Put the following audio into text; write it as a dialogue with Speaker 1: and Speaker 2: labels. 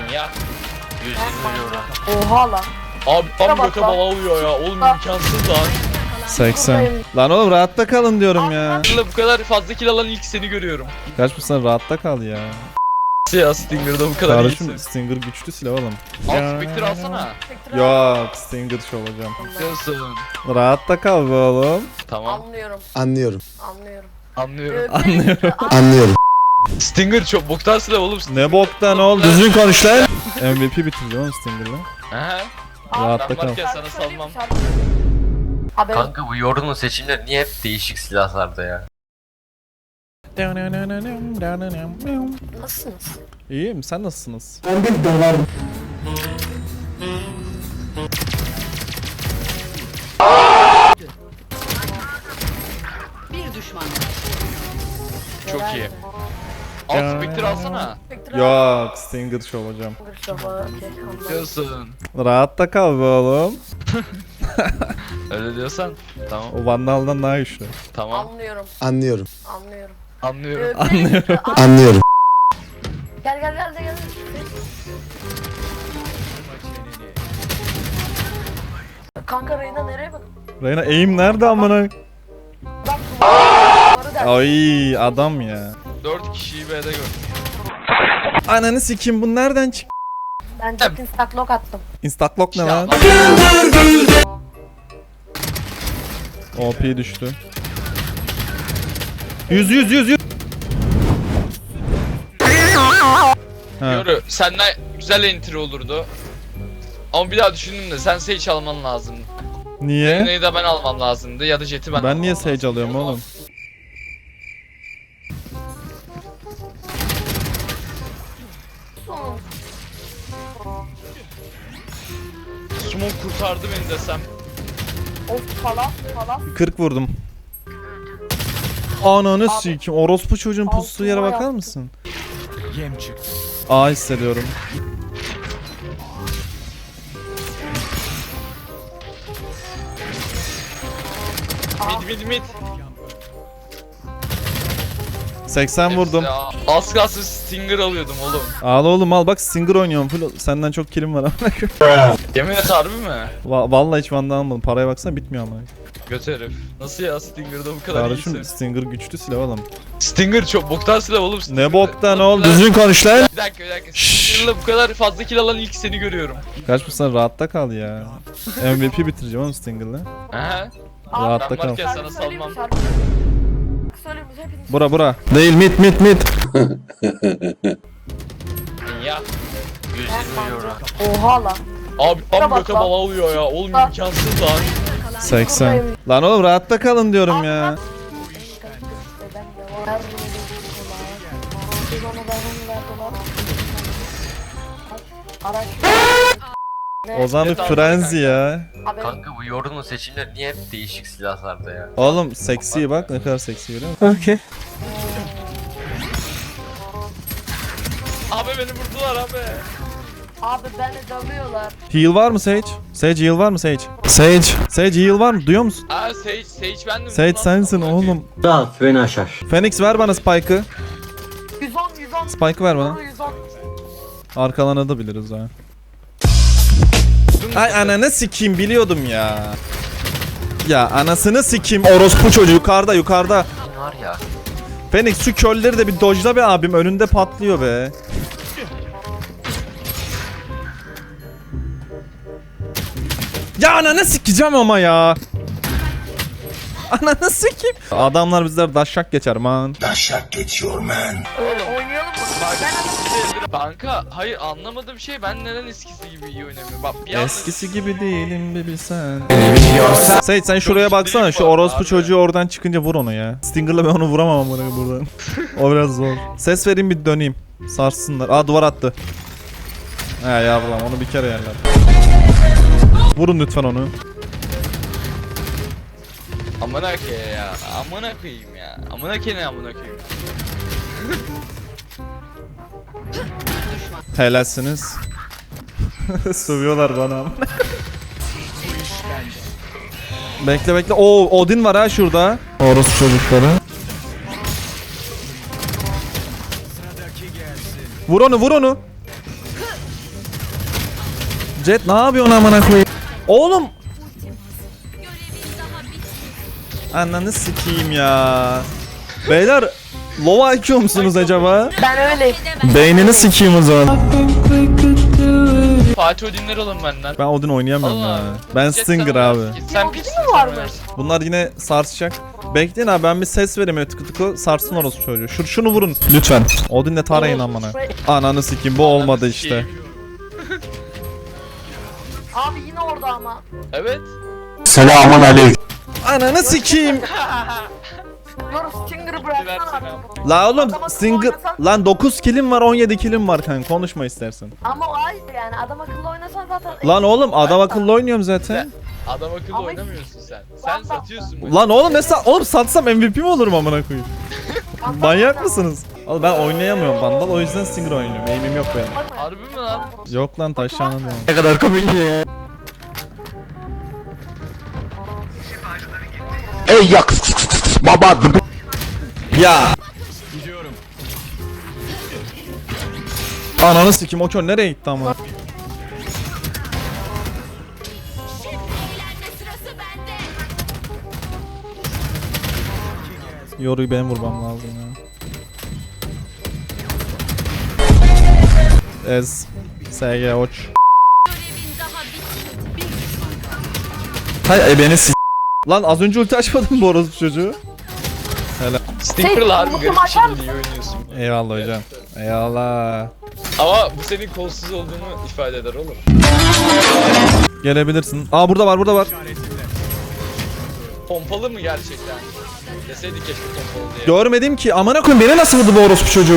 Speaker 1: Ya. 120 euro.
Speaker 2: Oha lan.
Speaker 1: Abi tam
Speaker 2: bak
Speaker 1: göte
Speaker 2: lan.
Speaker 1: bala alıyor ya. Oğlum imkansız lan.
Speaker 3: 80. Lan oğlum rahatta kalın diyorum ya.
Speaker 1: Bu kadar fazla kill alan ilk seni görüyorum.
Speaker 3: Kaç bu sen rahatta kal ya.
Speaker 1: Ya Stinger'da bu kadar
Speaker 3: Kardeşim
Speaker 1: iyisin.
Speaker 3: Stinger güçlü silah oğlum.
Speaker 1: Al Spectre alsana.
Speaker 3: Yok Stinger şu olacağım.
Speaker 1: Diyorsun.
Speaker 3: Rahatta kal be oğlum.
Speaker 1: Tamam.
Speaker 2: Anlıyorum.
Speaker 4: Anlıyorum.
Speaker 2: Anlıyorum.
Speaker 1: Anlıyorum.
Speaker 3: Anlıyorum.
Speaker 4: Anlıyorum.
Speaker 1: Stinger çok boktan silah oğlum.
Speaker 3: Ne boktan oğlum düzgün konuş lan. MVP bitireceğim oğlum Stinger'la.
Speaker 1: He.
Speaker 3: Rahatta
Speaker 1: Ben
Speaker 3: kal.
Speaker 1: varken sana salmam.
Speaker 2: Abi
Speaker 5: Kanka bu Yorun'un seçimleri niye hep değişik silahlarda ya?
Speaker 2: nasılsınız?
Speaker 3: İyiyim sen nasılsınız?
Speaker 6: Bir düşman.
Speaker 1: Çok iyi. Al Spectre alsana.
Speaker 3: Yok Stinger şu olacağım.
Speaker 1: Diyorsun.
Speaker 3: Rahatta kal be oğlum.
Speaker 1: Öyle diyorsan. Tamam.
Speaker 3: O Vandal'dan daha güçlü.
Speaker 1: Tamam.
Speaker 2: Anlıyorum.
Speaker 4: Anlıyorum.
Speaker 2: Anlıyorum.
Speaker 1: Anlıyorum.
Speaker 3: Anlıyorum.
Speaker 4: Anlıyorum.
Speaker 2: Gel gel gel gel. Kanka Reyna nereye bak?
Speaker 3: Reyna aim nerede amına?
Speaker 2: Bak duvarı der.
Speaker 3: Ay adam ya.
Speaker 1: 4 kişiyi B'de gördüm.
Speaker 3: Ananı sikim bu nereden çık?
Speaker 2: Ben Jet'in stacklock attım.
Speaker 3: Instaclock ne
Speaker 1: İşte
Speaker 3: lan?
Speaker 1: adam-
Speaker 3: OP düştü. 100. Ha.
Speaker 1: Yoru senden güzel entry olurdu. Ama bir daha düşündüm de sen Sage alman lazımdı.
Speaker 3: Niye?
Speaker 1: Neyi de ben almam lazımdı ya da Jet'i ben
Speaker 3: Ben
Speaker 1: almam
Speaker 3: niye
Speaker 1: lazımdı.
Speaker 3: Sage alıyorum oğlum?
Speaker 1: Smoke kurtardı beni desem.
Speaker 2: Of falan falan.
Speaker 3: 40 vurdum. Ananı sikim. Orospu çocuğun pustuğu yere
Speaker 2: Altıma
Speaker 3: bakar
Speaker 2: yaptım.
Speaker 3: mısın? Yem çıktı. A hissediyorum.
Speaker 1: Mid.
Speaker 3: 80 vurdum.
Speaker 1: Ya, az kalsın Stinger alıyordum oğlum.
Speaker 3: Al oğlum al bak Stinger oynuyorum. Full senden çok killim var ama.
Speaker 1: Yemin et harbi mi?
Speaker 3: Vallahi hiç Van'dan almadım. Paraya baksana bitmiyor ama.
Speaker 1: Göt herif. Nasıl ya Stinger'da bu kadar
Speaker 3: Kardeşim
Speaker 1: iyisin?
Speaker 3: Stinger güçlü silah oğlum.
Speaker 1: Stinger çok boktan silah oğlum.
Speaker 3: Ne
Speaker 1: Stinger'da.
Speaker 3: boktan oğlum düzgün konuş lan.
Speaker 1: Bir dakika. Stinger'la bu kadar fazla kill alan ilk seni görüyorum.
Speaker 3: Kaç bu sen rahatta kal ya. MVP bitireceğim oğlum Stinger'la.
Speaker 1: Aha.
Speaker 3: Rahatta
Speaker 1: Ben
Speaker 3: kal.
Speaker 1: varken sana salmam.
Speaker 2: Şarkı söyleyeyim hepiniz.
Speaker 3: Bura. Değil mit.
Speaker 1: Ya.
Speaker 5: 120 euro.
Speaker 2: Oha lan.
Speaker 1: Abi tam
Speaker 2: bak
Speaker 1: göte
Speaker 2: lan.
Speaker 1: bala alıyor ya. Oğlum imkansız lan.
Speaker 3: 80. Lan oğlum rahatta kalın diyorum ya. O zaman bir frenzy ya.
Speaker 5: Kanka bu Yorun'un seçimleri niye hep değişik silahlarda ya?
Speaker 3: Oğlum seksi bak ne kadar seksi görüyor musun? Okey.
Speaker 1: Abi beni vurdular abi.
Speaker 2: Abi beni dövüyorlar.
Speaker 3: Heal var mı Sage? Sage heal var mı Sage? Sage heal var mı? Duyuyor musun?
Speaker 1: Aa Sage bendim.
Speaker 3: Sage
Speaker 1: Lan,
Speaker 3: sensin
Speaker 1: amına
Speaker 3: oğlum.
Speaker 4: Rahat beni aşar.
Speaker 3: Phoenix ver bana Spike'ı.
Speaker 2: 110.
Speaker 3: Spike'ı ver bana.
Speaker 2: 110.
Speaker 3: Arkalanabiliriz ha. Ay ananı sikeyim biliyordum ya. Ya anasını sikeyim orospu çocuğu yukarıda.
Speaker 5: Kim var ya?
Speaker 3: Phoenix şu kölleri de bir dojla be abim önünde patlıyor be. Ya ananı sikeceğim ama ya. Ananı sikeyim. Adamlar bizler daşşak geçer man.
Speaker 2: Oynayalım mı?
Speaker 1: Kanka hayır anlamadığım şey ben neden eskisi gibi iyi oynamıyorum. Bak bir anda
Speaker 3: Eskisi gibi değilim bir bilsen. Seyit sen şuraya baksana şu orospu çocuğu oradan çıkınca vur onu ya. Stinger'la ben onu vuramam ama buradan. O biraz zor. Ses vereyim bir döneyim. Sarsınlar. Aa duvar attı. He yavrum onu bir kere yerler. Vurun lütfen onu.
Speaker 1: amına koyayım ya. Amına koyayım ya. Amına koyayım.
Speaker 3: Helalsiniz. Sövüyorlar bana. Bekle. Oo Odin var ha şurada. Orospu çocukları. Vur onu. Jet ne yapıyorsun amına koyayım? Oğlum. Ananı sikeyim ya. Beyler low IQ musunuz acaba?
Speaker 2: Ben öyleyim.
Speaker 3: Beynini sikeyim o zaman.
Speaker 1: Fatih Odinler alın benden.
Speaker 3: Ben Odin oynayamıyorum
Speaker 1: Allah.
Speaker 3: ya. Ben
Speaker 1: Jet
Speaker 3: Stinger
Speaker 1: sana
Speaker 3: abi.
Speaker 1: ver. Sen
Speaker 2: Odin
Speaker 1: piçsin,
Speaker 2: mi
Speaker 1: sen
Speaker 2: varmış?
Speaker 1: ver.
Speaker 3: Bunlar yine sarsacak. Bekleyin abi ben bir ses vereyim öyle tıkı tıkı sarsın orası çocuğu. Şunu vurun lütfen. Odin'le tarayın amına. Ananı sikeyim bu olmadı işte.
Speaker 2: Abi yine orada ama.
Speaker 1: Evet.
Speaker 3: Ananı sikeyim.
Speaker 2: Dur Stinger'ı bıraksana
Speaker 1: Versene.
Speaker 2: artık.
Speaker 3: La oğlum
Speaker 2: Adama
Speaker 3: Stinger
Speaker 2: oynasan-
Speaker 3: lan 9 kilim var 17 kilim var kanka konuşma istersen.
Speaker 2: Ama o ayıp yani adam akıllı oynasan zaten.
Speaker 3: Lan oğlum adam akıllı oynuyorum zaten.
Speaker 1: Adam akıllı
Speaker 2: Ama-
Speaker 1: oynamıyorsun sen. Sen satıyorsun bunu.
Speaker 3: Lan oğlum mesela oğlum satsam MVP mi olurum amına koyayım? Manyak mısınız? Oğlum ben oynayamıyorum Vandal o yüzden Stinger oynuyorum. Aim'im yok benim.
Speaker 1: Harbi mi lan?
Speaker 3: Yok lan taşlandım yani.
Speaker 4: Ne kadar komik ya.
Speaker 6: Ey yak baba.
Speaker 3: Ya. Ananı sikim o kör nereye gitti ama? Yoruyu benim vurmam lazım ya. Ez. SG oç. Hay beni s***. Lan az önce ulti açmadın bu orospu çocuğu.
Speaker 1: Stinker'la harbi
Speaker 2: Şey,
Speaker 1: garip
Speaker 2: bu maçar
Speaker 1: şimdi iyi oynuyorsun.
Speaker 3: Eyvallah hocam. Eyvallah.
Speaker 1: Ama bu senin kolsuz olduğunu ifade eder oğlum.
Speaker 3: Gelebilirsin. Aa burada var burada var.
Speaker 1: Pompalı mı gerçekten? Deseydik keşke pompalı diye.
Speaker 3: Görmedim ki amına koyayım beni nasıl vurdu bu orospu çocuğu?